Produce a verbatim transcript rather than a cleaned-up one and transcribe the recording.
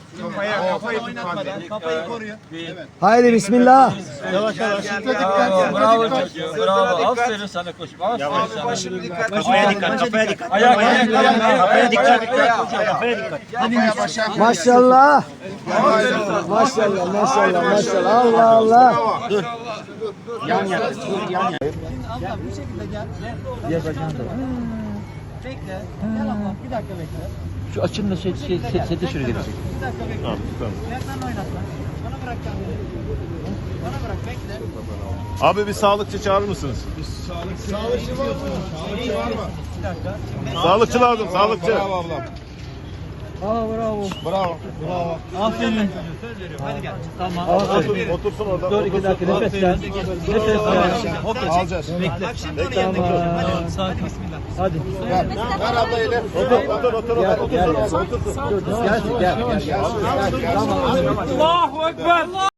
Kafaya, kafayı oynatmadan, kafayı koruyor. Haydi bismillah. Yavaş yavaş. Bravo, bravo çocuğum, bravo. Aferin sana koçum, aferin sana. Dikkat. Kafaya dikkat, kafaya dikkat. Ayak, ayak, ayak, ayak. Kafaya dikkat, kafaya dikkat. Maşallah. Maşallah maşallah maşallah. Allah Allah. Dur. Yan yana, dur yan yana. Abla bu şekilde gel. Gel bacağını da. Bekle. Gel abla bir dakika bekle. Şu açımla şey, şey, şey, seti şuraya gelecek. Bir dakika bekle. Tamam tamam. Ayaklarını oynat lan. Bana bırak kendini. Bana bırak bekle. Abi bir sağlıkçı çağırır mısınız? Sağlıkçı var mı? Sağlıkçı var mı? Bir dakika. Sağlıkçı lazım, sağlıkçı. Bravo ablam. Aa bravo. Bravo. Bravo. Aferin. Hadi gel. Tamam. Otur, otursun orada. Dur iki dakika nefes ver. Nefes ver. Alacağız. Bekle. Tamam. Sakin. Bismillah. Hadi. Ver. Ver abla eli. Otur, otur, otur, otur, otur, otur, otur. Gel gel gel. Tamam. Allahu Ekber.